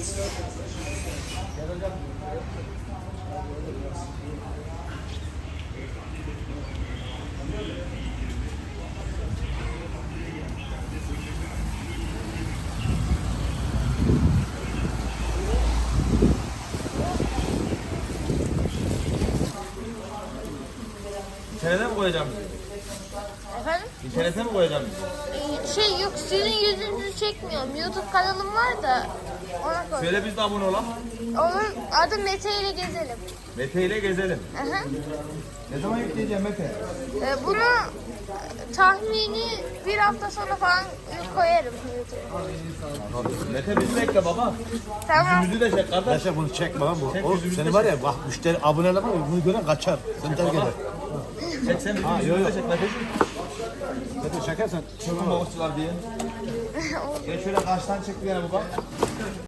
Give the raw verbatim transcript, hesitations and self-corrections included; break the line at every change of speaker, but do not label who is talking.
İnternete mi koyacağım?
Efendim?
İnternete mi koyacağım?
Ee, Şey yok, sizin yüzünüzü çekmiyorum. YouTube kanalım var da ona koy.
Söyle biz de abone olalım.
Onun adı Mete ile gezelim.
Mete ile gezelim.
Aha.
Ne zaman yükleyeceğim Mete?
Ee, bunu e, tahmini bir hafta sonra falan koyarım YouTube'a.
Mete bizi bekle baba.
Tamam.
Yüzümüzü de çek kardeş.
Yaşa bunu çek bana bu.
Çek
O
yüzümüzü
seni
de
var
çek.
ya bak müşteri aboneler var ya bunu gören kaçar. Seni terk
baba.
eder.
Çek sen bizim
Ha,
yüzümüzü
yo,
de
yo.
çek Meteciğim.
Zaten çekersen
Çöpün balıkçılar diye. Gel şöyle karşıdan çek bir yana baba.